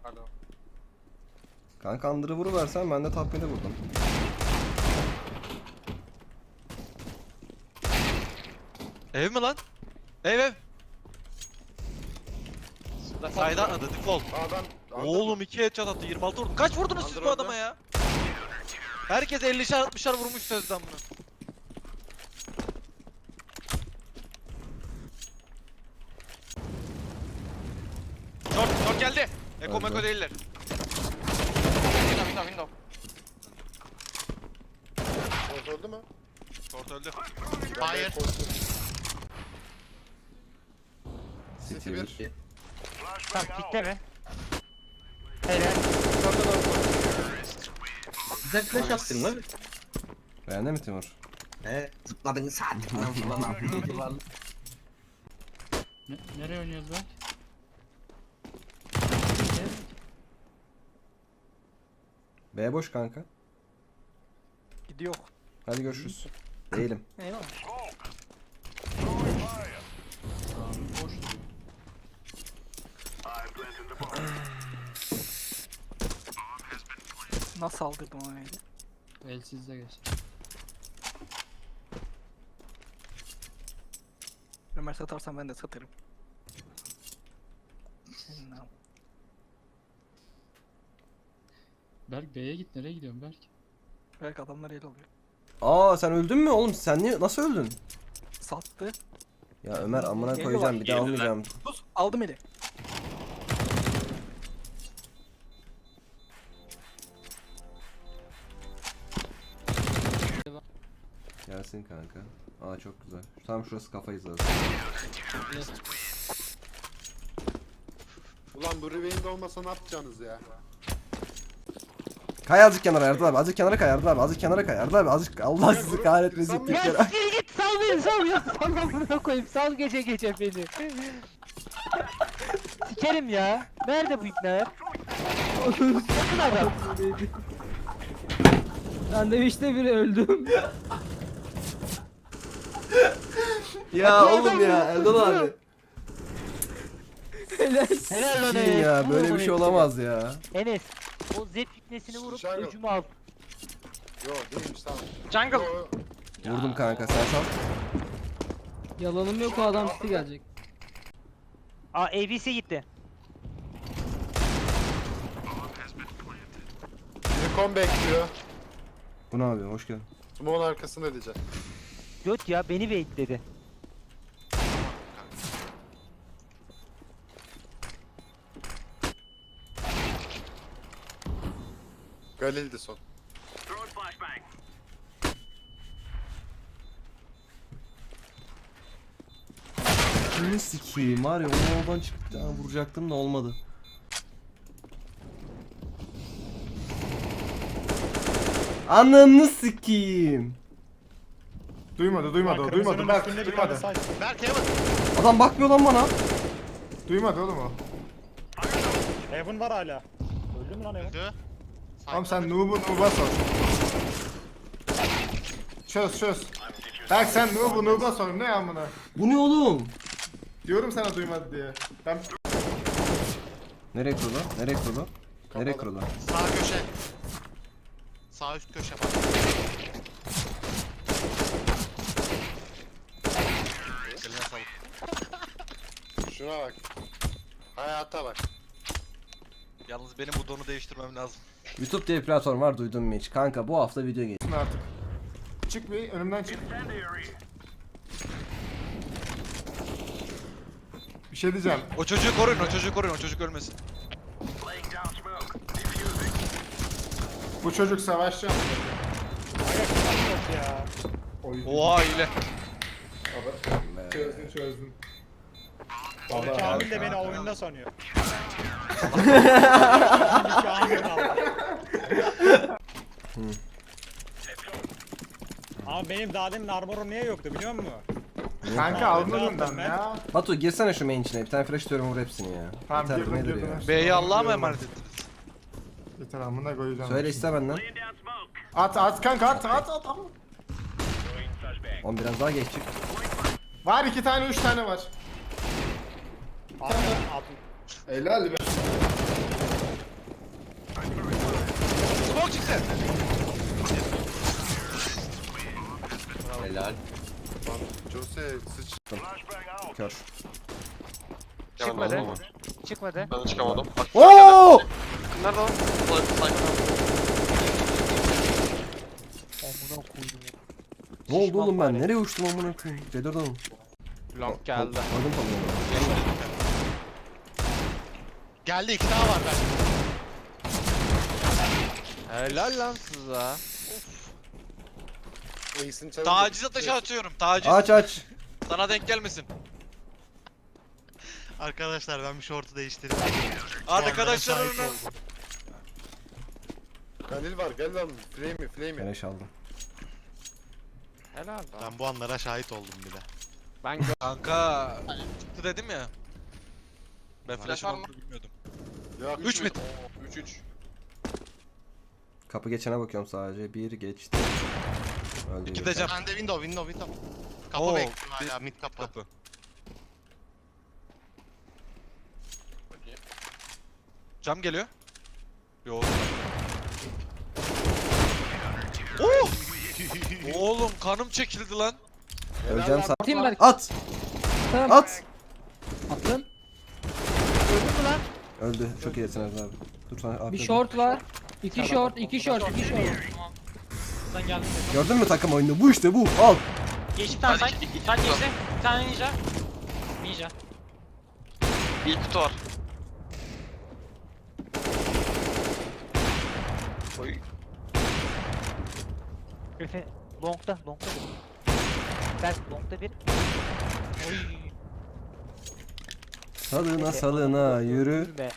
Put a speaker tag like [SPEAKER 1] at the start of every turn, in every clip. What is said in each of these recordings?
[SPEAKER 1] Alo.
[SPEAKER 2] Kanka Under'ı vuruversen ben de top mid'e vurdum.
[SPEAKER 3] Ev mi lan? Ev. Sayda atladı default.
[SPEAKER 1] Sağdan.
[SPEAKER 3] Oğlum 2 headshot attı 26 vurdu. Kaç vurdunuz siz bu adama ya? Herkes 50'şer 60'şer vurmuş sözden bunu. Short geldi. Eko meko değiller.
[SPEAKER 1] Window. Short öldü mü?
[SPEAKER 3] Short öldü.
[SPEAKER 1] Hayır.
[SPEAKER 2] City 1.
[SPEAKER 4] Tamam kitleme. Helal.
[SPEAKER 5] Güzel flash attın lan.
[SPEAKER 2] Beğendin mi Timur?
[SPEAKER 5] He, zıpladın saat falan falan.
[SPEAKER 4] Nereye oynuyoruz lan?
[SPEAKER 2] B boş kanka.
[SPEAKER 4] Gidiyor.
[SPEAKER 2] Hadi görüşürüz. Değilim.
[SPEAKER 4] Eyvallah. Nasıl aldırdım onu öyle?
[SPEAKER 6] Elsizde geç.
[SPEAKER 4] Ömer satarsan ben de satarım. Senin am-
[SPEAKER 6] Berk B'ye git, nereye gidiyorsun Berk?
[SPEAKER 4] Belki adamlar el alıyor.
[SPEAKER 2] Aa sen öldün mü oğlum? Sen niye nasıl öldün?
[SPEAKER 4] Sattı.
[SPEAKER 2] Ya Ömer amına
[SPEAKER 4] Geliyorlar,
[SPEAKER 2] koyacağım bir daha
[SPEAKER 3] geliyorlar.
[SPEAKER 2] almayacağım.
[SPEAKER 4] Sus aldım eli.
[SPEAKER 2] Gelsin kanka. Aa çok güzel. Tam şurası kafayı zaten.
[SPEAKER 1] Ulan bu rewind olmasa ne yapacaksınız ya?
[SPEAKER 2] Kay azıcık kenara Erdal abi. Azıcık kenara kay Erdal abi. Azıcık kenara kay Erdal abi. Azıcık Allah sizi kahretmesin bir
[SPEAKER 4] Ya
[SPEAKER 2] kere.
[SPEAKER 4] siktir git sal beni sal ya. Sal amına koyayım sal gece gece beni. Sikerim ya. Nerede bu ipler? Yakın adam.
[SPEAKER 6] Sandviçte biri öldüm.
[SPEAKER 2] Ya oğlum ya Erdal abi.
[SPEAKER 4] Helal lan
[SPEAKER 2] Kim
[SPEAKER 4] Enes.
[SPEAKER 2] ya böyle
[SPEAKER 4] Vur
[SPEAKER 2] bir şey
[SPEAKER 4] bunu.
[SPEAKER 2] olamaz ya.
[SPEAKER 4] Enes. O Z fitnesini vurup
[SPEAKER 1] Jungle.
[SPEAKER 4] öcümü al.
[SPEAKER 1] Yo değilmiş tamam.
[SPEAKER 4] Jungle.
[SPEAKER 1] Yo,
[SPEAKER 2] Vurdum kanka sen sal.
[SPEAKER 6] Yalanım yok, o adam City gelecek.
[SPEAKER 4] Aa ABC gitti.
[SPEAKER 1] Recon bekliyor.
[SPEAKER 2] Bu ne abi hoş geldin.
[SPEAKER 1] Smoke'un arkasında diyeceğim.
[SPEAKER 4] Göt ya beni baitledi.
[SPEAKER 1] Galil'di son.
[SPEAKER 2] Kimi sikiyim var ya onu oradan çıktı vuracaktım da olmadı. Ananı sikiyim.
[SPEAKER 7] Duymadı, duymadı. Berk, duymadı.
[SPEAKER 3] Berk Heaven.
[SPEAKER 2] Adam bakmıyor lan bana.
[SPEAKER 7] Duymadı oğlum o.
[SPEAKER 8] Heaven var hala. Öldü mü lan Heaven?
[SPEAKER 3] Öldü.
[SPEAKER 7] Oğlum sen noob'a sor. Çöz. Berk sen noob'a sor, ne amına?
[SPEAKER 2] Bu ne oğlum?
[SPEAKER 7] Diyorum sana duymadı diye. Ben
[SPEAKER 2] Nereye kurulu? Nereye kurulu? Nereye kurulu?
[SPEAKER 3] Sağ köşe. Sağ üst köşe bak. Eline sağlık.
[SPEAKER 1] Şuna bak. Hayata bak.
[SPEAKER 3] Yalnız benim bu donu değiştirmem lazım.
[SPEAKER 2] YouTube diye bir platform var duydun mu hiç? Kanka bu hafta video geliyor.
[SPEAKER 7] artık. Çık bir, önümden çık. Bir şey diyeceğim.
[SPEAKER 3] O çocuğu koruyun, o çocuk ölmesin.
[SPEAKER 7] Bu çocuk savaşçı.
[SPEAKER 8] Yok ya.
[SPEAKER 3] Oha ile.
[SPEAKER 7] Çözdün.
[SPEAKER 8] Kamil de beni oyunda sanıyor. Kamil aldı. Ama benim daha demin armorum niye yoktu biliyor musun?
[SPEAKER 7] Kanka almadın ben ya.
[SPEAKER 2] Batu girsene şu main içine. Bir tane flash diyorum vur hepsini ya.
[SPEAKER 7] Tamam,
[SPEAKER 2] Yeter,
[SPEAKER 7] girdim,
[SPEAKER 2] nedir
[SPEAKER 7] girdim.
[SPEAKER 2] ya?
[SPEAKER 3] B'yi Allah'a mı emanet ettiniz?
[SPEAKER 7] Yeter amına koyacağım.
[SPEAKER 2] Söyle iste benden.
[SPEAKER 7] At kanka at.
[SPEAKER 2] 10 biraz daha geç çık.
[SPEAKER 7] Var 2 tane 3 tane var.
[SPEAKER 8] Atın.
[SPEAKER 7] Helal be.
[SPEAKER 3] Smoke çıktı.
[SPEAKER 5] Helal.
[SPEAKER 1] Lan Jose sıç.
[SPEAKER 2] Kör.
[SPEAKER 4] Çıkmadı. Çıkmadı.
[SPEAKER 9] Ben çıkamadım. Bak
[SPEAKER 2] Oo!
[SPEAKER 9] nerede o?
[SPEAKER 4] Amına koydum.
[SPEAKER 2] Ne oldu oğlum ben?
[SPEAKER 4] fare.
[SPEAKER 2] Nereye uçtum amına koyayım? C4'dan.
[SPEAKER 3] Long geldi.
[SPEAKER 2] Aldım tabii.
[SPEAKER 3] Geldi 2 daha var ben. Helal lan size.
[SPEAKER 1] Ace'in çalındı.
[SPEAKER 3] Taciz ateşi atıyorum. Taciz.
[SPEAKER 2] Aç.
[SPEAKER 3] Sana denk gelmesin.
[SPEAKER 10] Arkadaşlar ben bir şortu değiştirdim.
[SPEAKER 3] Arkadaşlarımın
[SPEAKER 1] Galil var gel lan. Flame'i.
[SPEAKER 2] Beleş aldım.
[SPEAKER 3] helal lan.
[SPEAKER 10] Ben bu anlara şahit oldum bir de.
[SPEAKER 3] Ben kanka çıktı dedim ya. Ben
[SPEAKER 9] Flash
[SPEAKER 3] flash
[SPEAKER 9] var mı?
[SPEAKER 3] olduğunu bilmiyordum.
[SPEAKER 1] Yok.
[SPEAKER 3] 3 mid.
[SPEAKER 9] 3-3.
[SPEAKER 2] Kapı geçene bakıyorum sadece. Bir geçti. Öldü.
[SPEAKER 3] 2 de cam.
[SPEAKER 10] Ben de window. Kapı
[SPEAKER 3] Oo,
[SPEAKER 10] bekliyorum hala mid kapı.
[SPEAKER 3] Kapı. Cam geliyor. Yo. Oh! Oğlum kanım çekildi lan.
[SPEAKER 2] Öleceğim sen.
[SPEAKER 6] Atayım Berk.
[SPEAKER 2] At!
[SPEAKER 6] Tamam.
[SPEAKER 2] At!
[SPEAKER 6] Attım.
[SPEAKER 4] Öldün mü lan?
[SPEAKER 2] Öldü. Çok iyisin Erdal abi. Dur sana
[SPEAKER 6] Bir short var. 2 short, 2 short.
[SPEAKER 4] Sen geldin.
[SPEAKER 2] Gördün mü takım oyunu? Bu işte bu. Al.
[SPEAKER 4] Geçti tane sen. Sen geçti. Bir tane ninja. Ninja.
[SPEAKER 9] Bir kutu var. Oy.
[SPEAKER 4] Griffin. Long'da bir. Berk long'da bir. Oy.
[SPEAKER 2] Salına yürü.
[SPEAKER 4] Gülme.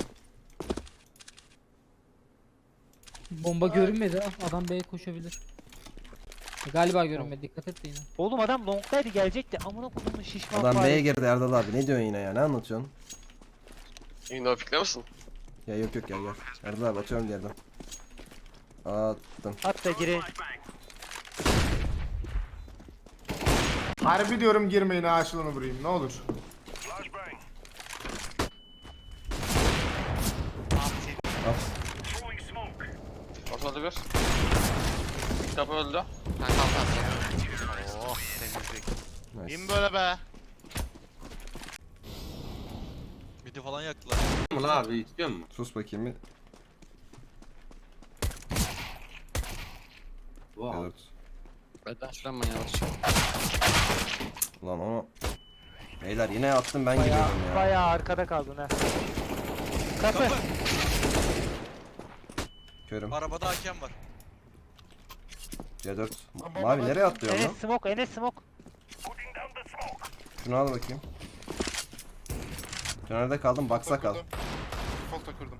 [SPEAKER 6] Bomba görünmedi ha. Adam B'ye koşabilir. Galiba görünmedi. Dikkat et de yine.
[SPEAKER 4] Oğlum adam long'daydı gelecekti. Amına koyduğum şişman
[SPEAKER 2] Adam
[SPEAKER 4] fare.
[SPEAKER 2] B'ye girdi Erdal abi. Ne diyorsun yine ya? Ne anlatıyorsun?
[SPEAKER 9] Window pikle misin?
[SPEAKER 2] Ya yok gel. Erdal abi atıyorum yerden. Attım.
[SPEAKER 4] At da girin.
[SPEAKER 7] Harbi diyorum girmeyin ağaçlığını vurayım ne olur.
[SPEAKER 2] At.
[SPEAKER 9] Ortada bir. Kapı öldü.
[SPEAKER 10] Oh temizlik.
[SPEAKER 2] Nice.
[SPEAKER 10] Kim böyle be?
[SPEAKER 3] Midi falan yaktılar.
[SPEAKER 5] Mı la abi istiyor musun?
[SPEAKER 2] Sus bakayım bir.
[SPEAKER 5] Wow.
[SPEAKER 2] Evet.
[SPEAKER 9] Beden şuran ben yavaşça.
[SPEAKER 2] Lan onu. Beyler yine attım ben gidiyorum ya.
[SPEAKER 4] Bayağı arkada kaldın ha. Kapı.
[SPEAKER 2] Körüm.
[SPEAKER 3] Arabada hakem var.
[SPEAKER 2] C4. Mavi nereye atlıyor lan?
[SPEAKER 4] Enes smoke.
[SPEAKER 2] Şunu al bakayım. Nerede kaldım? Baksa kal.
[SPEAKER 1] Default'a kurdum.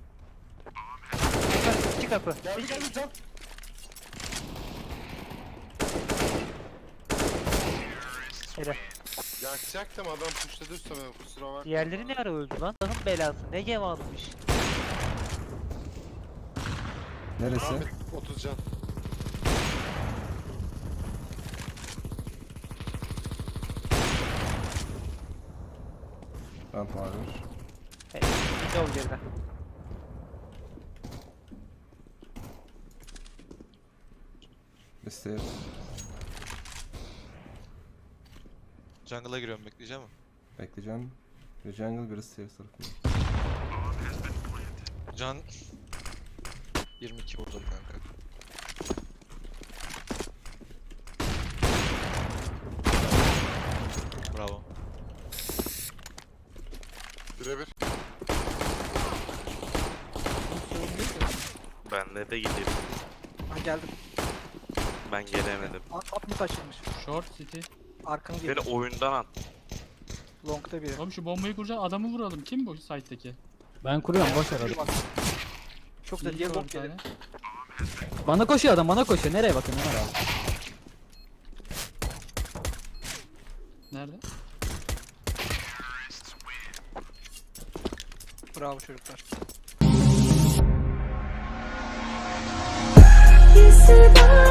[SPEAKER 4] İki kapı.
[SPEAKER 1] Geldi can.
[SPEAKER 4] Hele.
[SPEAKER 1] Yakacaktım adam pushladı üstüme kusura bakma.
[SPEAKER 4] Diğerleri ne ara öldü lan? Allah'ın belası. Ne gem almış.
[SPEAKER 2] Neresi?
[SPEAKER 1] Ahmet 30 can.
[SPEAKER 2] Ramp var.
[SPEAKER 4] Bir ol geriden.
[SPEAKER 2] Listeye.
[SPEAKER 3] Jungle'a giriyorum bekleyeceğim mi?
[SPEAKER 2] Bekleyeceğim. Bir jungle biri stairs tarafında.
[SPEAKER 3] Can 22 vurdum kanka. Bravo.
[SPEAKER 1] Birebir.
[SPEAKER 10] Ben de gideyim.
[SPEAKER 4] Ha geldim.
[SPEAKER 10] Ben gelemedim.
[SPEAKER 4] At mı taşınmış?
[SPEAKER 6] Short city.
[SPEAKER 4] Arkanı
[SPEAKER 10] Beni oyundan at.
[SPEAKER 4] Long'da biri.
[SPEAKER 6] Oğlum şu bombayı kuracağız. Adamı vuralım. Kim bu site'deki?
[SPEAKER 4] Ben kuruyorum boş ver hadi. Çok da
[SPEAKER 6] İyi
[SPEAKER 4] diye
[SPEAKER 6] bir
[SPEAKER 4] bomb
[SPEAKER 6] tane.
[SPEAKER 4] gelir. Bana koşuyor adam bana koşuyor. Nereye bakın Ömer abi?
[SPEAKER 6] Nerede?
[SPEAKER 4] Bravo çocuklar.
[SPEAKER 11] You survive.